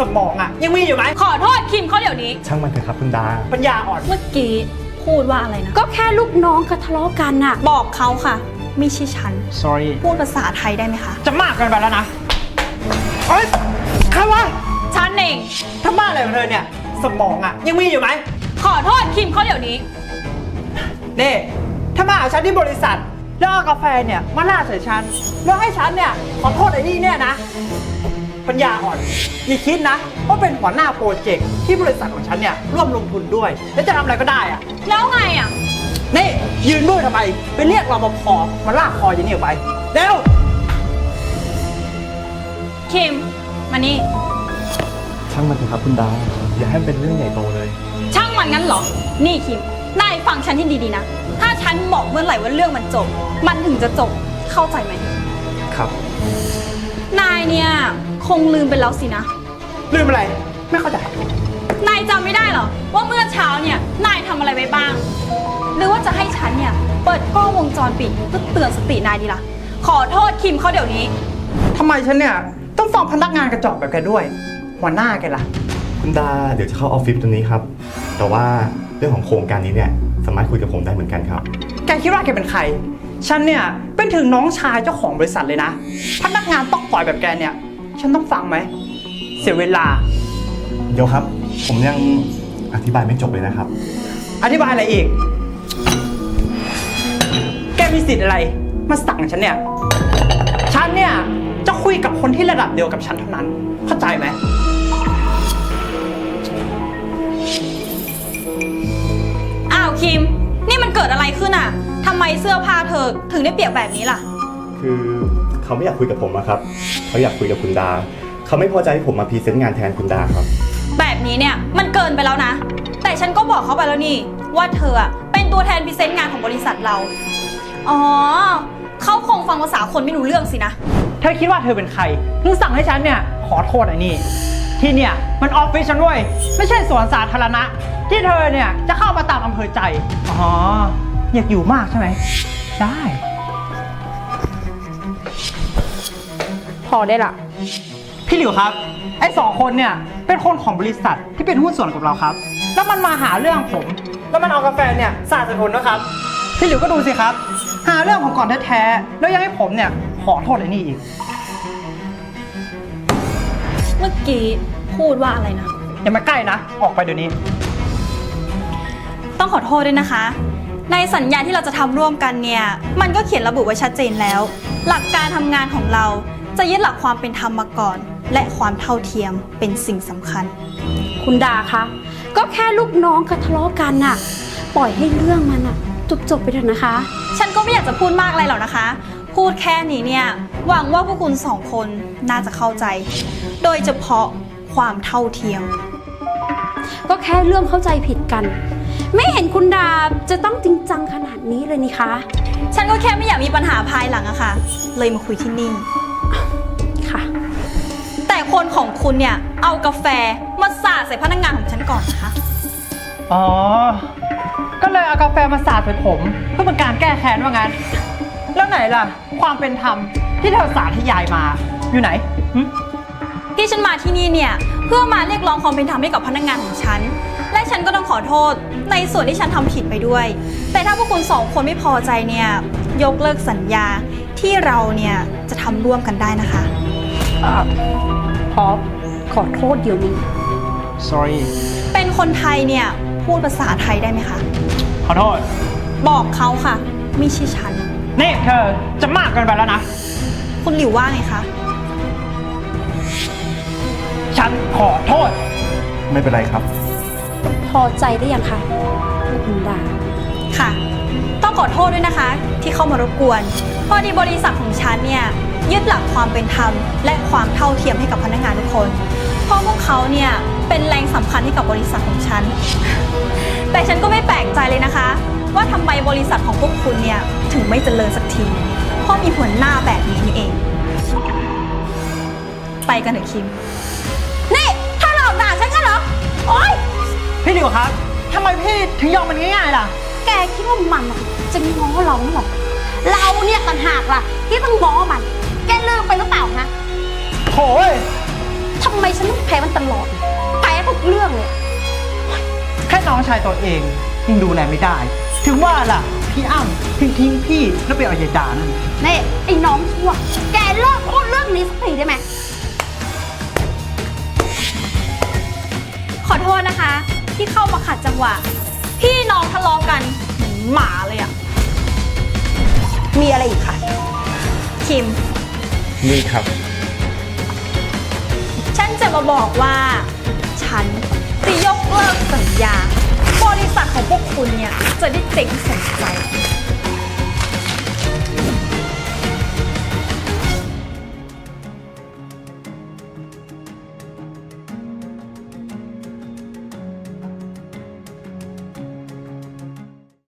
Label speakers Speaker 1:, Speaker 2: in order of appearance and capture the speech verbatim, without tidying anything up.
Speaker 1: มองอ่ะยังมีอยู่ไหม
Speaker 2: ขอโทษคิมเขาเดี๋ยวนี้
Speaker 3: ช่างมันเถอะครับคุณดา
Speaker 1: ปัญญาอ่อน
Speaker 2: เมื่อกี้พูดว่าอะไรนะ
Speaker 4: ก็แค่ลูกน้องก็ทะเลาะกันน่ะ
Speaker 2: บอกเขาค่ะไม่ใช่ฉัน
Speaker 1: sorry
Speaker 2: พูดภาษาไทยได้ไหมคะ
Speaker 1: จะมากเกินไปแล้วนะเฮ้ยใครวะ
Speaker 2: ฉันเอง
Speaker 1: ถ้าบ้าอะไรของเธอเนี่ยสมองอ่ะยังมีอยู่ไหม
Speaker 2: ขอโทษคิมเขาเดี๋ยวนี้
Speaker 1: นี่ถ้ามาเอาฉันที่บริษัทแล้วเอากาแฟเนี่ยมาล่าใส่ฉันแล้วให้ฉันเนี่ยขอโทษไอ้นี่เนี่ยนะปัญญาอ่อนอย่าคิดนะว่าเป็นหัวหน้าโปรเจกต์ที่บริษัทของฉันเนี่ยร่วมลงทุนด้วยแล้วจะทำอะไรก็ได้อะ
Speaker 2: แล้วไงอ่ะ
Speaker 1: นี่ยืนมือทำไมไปเรียกรปภมาลากคออย่างนี้ออกไปเร็ว
Speaker 2: คิมมานี่
Speaker 3: ช่างมันเถอะครับคุณดาอย่าให้มันเป็นเรื่องใหญ่โตเลย
Speaker 2: ช่างมันงั้นเหรอนี่คิมนายฟังฉันที่ดีๆนะถ้าฉันบอกเมื่อไหร่ว่าเรื่องมันจบมันถึงจะจบเข้าใจไหม
Speaker 3: ครับ
Speaker 2: นายเนี่ยคงลืมไปแล้วสินะ
Speaker 1: ลืมอะไรไม่เข้าใจ
Speaker 2: นายจำไม่ได้เหรอว่าเมื่อเช้าเนี่ยนายทำอะไรไว้บ้างหรือว่าจะให้ฉันเนี่ยเปิดกล้องวงจรปิดเพื่อเตือนสตินายดีล่ะขอโทษคิมเขาเดี๋ยวนี้
Speaker 1: ทำไมฉันเนี่ยต้องฟังพนักงานกระจอกแบบแกด้วยหัวหน้าแกล่ะ
Speaker 3: คุณดาเดี๋ยวจะเข้าออฟฟิศตัวนี้ครับแต่ว่าเรื่องของโครงการนี้เนี่ยสามารถคุยกับผมได้เหมือนกันครับ
Speaker 1: แกคิดว่าแกเป็นใครฉันเนี่ยเป็นถึงน้องชายเจ้าของบริษัทเลยนะพนักงานต้องปล่อยแบบแกเนี่ยฉันต้องฟังไหมเสียเวลา
Speaker 3: เดี๋ยวครับผมยังอธิบายไม่จบเลยนะครับ
Speaker 1: อธิบายอะไรอีกแกมีสิทธิ์อะไรมาสั่งฉันเนี่ยฉันเนี่ยจะคุยกับคนที่ระดับเดียวกับฉันเท่านั้นเข้าใจไหม
Speaker 2: อ้าวคิมนี่มันเกิดอะไรขึ้นอ่ะทำไมเสื้อผ้าเธอถึงได้เปียกแบบนี้ล่ะ
Speaker 3: คือเขาไม่อยากคุยกับผมอะครับเขาอยากคุยกับคุณดาเขาไม่พอใจที่ผมมาพรีเซนต์งานแทนคุณดาครับ
Speaker 2: แบบนี้เนี่ยมันเกินไปแล้วนะแต่ฉันก็บอกเขาไปแล้วนี่ว่าเธอเป็นตัวแทนพรีเซนต์งานของบริษัทเราอ๋อเขาคงฟังภาษาคนไม่รู้เรื่องสินะ
Speaker 1: เธอคิดว่าเธอเป็นใครถึงสั่งให้ฉันเนี่ยขอโทษไอ้นี่ที่เนี่ยมันออฟฟิศฉันด้วยไม่ใช่สวนสาธารณะที่เธอเนี่ยจะเข้ามาตามอำเภอใจอ๋ออยากอยู่มากใช่ไหมได้
Speaker 4: พอได้ละ
Speaker 1: พี่หลิวครับไอ้สองคนเนี่ยเป็นคนของบริษัทที่เป็นหุ้นส่วนกับเราครับแล้วมันมาหาเรื่องผมแล้วมันเอากาแฟเนี่ยสาดใส่ผมนะครับพี่หลิวก็ดูสิครับหาเรื่องผมก่อนแท้ๆแล้วยังให้ผมเนี่ยขอโทษไอ้นี่อีก
Speaker 2: เมื่อกี้พูดว่าอะไรนะ
Speaker 1: อย่ามาใกล้นะออกไปเดี๋ยวนี้
Speaker 2: ต้องขอโทษด้วยนะคะในสัญญาที่เราจะทำร่วมกันเนี่ยมันก็เขียนระบุไว้ชัดเจนแล้วหลักการทำงานของเราจะยึดหลักความเป็นธรรมมาก่อนและความเท่าเทียมเป็นสิ่งสำคัญ
Speaker 4: คุณดาคะก็แค่ลูกน้องก็ทะเลาะกันน่ะปล่อยให้เรื่องมันน่ะจบๆไปเถอะนะคะ
Speaker 2: ฉันก็ไม่อยากจะพูดมากอะไรหรอกนะคะพูดแค่นี้เนี่ยหวังว่าพวกคุณสองคนน่าจะเข้าใจโดยเฉพาะความเท่าเทียม
Speaker 4: ก็แค่เรื่องเข้าใจผิดกันไม่เห็นคุณดาจะต้องจริงจังขนาดนี้เลยนี่คะ
Speaker 2: ฉันก็แค่ไม่อยากมีปัญหาภายหลังอะค่ะเลยมาคุยที่นี่
Speaker 4: ค่ะ
Speaker 2: แต่คนของคุณเนี่ยเอากาแฟมาสาดใส่พนักงานของฉันก่อนนะคะ
Speaker 1: อ๋อก็เลยเอากาแฟมาสาดใส่ผมเพื่อเป็นการแก้แค้นว่างั้นแล้วไหนล่ะความเป็นธรรมที่เธอสาธยายมาอยู่ไหน
Speaker 2: ที่ฉันมาที่นี่เนี่ยเพื่อมาเรียกร้องความเป็นธรรมให้กับพนักงานของฉันและฉันก็ต้องขอโทษในส่วนที่ฉันทำผิดไปด้วยแต่ถ้าพวกคุณสองคนไม่พอใจเนี่ยยกเลิกสัญญาที่เราเนี่ยจะทำร่วมกันได้นะคะ
Speaker 4: พอขอโทษเดี๋ยวนี้
Speaker 1: sorry
Speaker 2: เป็นคนไทยเนี่ยพูดภาษาไทยได้ไหมคะ
Speaker 1: ขอโทษ
Speaker 2: บอกเขาค่ะไม่ใช่ฉัน
Speaker 1: นี่เธอจะมากเกินไปแล้วนะ
Speaker 2: คุณหลิวว่าไงคะ
Speaker 1: ฉันขอโทษ
Speaker 3: ไม่เป็นไรครับ
Speaker 4: พอใจได้ยังคะคุณดา
Speaker 2: ค่ะต้องขอโทษด้วยนะคะที่เข้ามารบกวนพอดีบริษัทของฉันเนี่ยยึดหลักความเป็นธรรมและความเท่าเทียมให้กับพนักงานทุกคนเพราะพวกเขาเนี่ยเป็นแรงสำคัญให้กับบริษัทของฉันแต่ฉันก็ไม่แปลกใจเลยนะคะว่าทำไมบริษัทของพวกคุณเนี่ยถึงไม่เจริญสักทีเพราะมีหัวหน้าแบบนี้นี่เองไปกันเถอะคิมนี่ถ้าหลอกด่าฉันกันเหรอโอ๊ย
Speaker 1: พี่หลิวครับทำไมพี่ถึงยอมมันง่ายๆล่ะ
Speaker 4: แกคิดว่ามันจะง้อเราหรอเราเนี่ยต่างหากล่ะที่ต้องง้อมันแกลืมไปหรือเปล่าฮะ
Speaker 1: โถ่ฉ
Speaker 4: ทำไมฉันต้องแพ้มันตลอดแพ้ทุกเรื่องเลย
Speaker 1: แค่น้องชายตัวเองยังดูแลไม่ได้ ถึงว่าล่ะ พี่อ้ำทิ้งทิ้งพี่แล้วไปเอายายดานั่น
Speaker 4: นี่ไอ้น้องชั่ว แกเลิกพูดเรื่องนี้สักทีได้ไหม
Speaker 2: ขอโทษนะคะ ที่เข้ามาขัดจังหวะ พี่น้องทะเลาะกันเหมือนหมาเลยอะ
Speaker 4: มีอะไรอีกคะ
Speaker 2: คิม
Speaker 3: นี่ครับ
Speaker 2: ฉันจะมาบอกว่า ฉันจะยกเลิกสัญญา บริษัทของพวกคุณเนี่ย จะได้เจ๊งสมใจ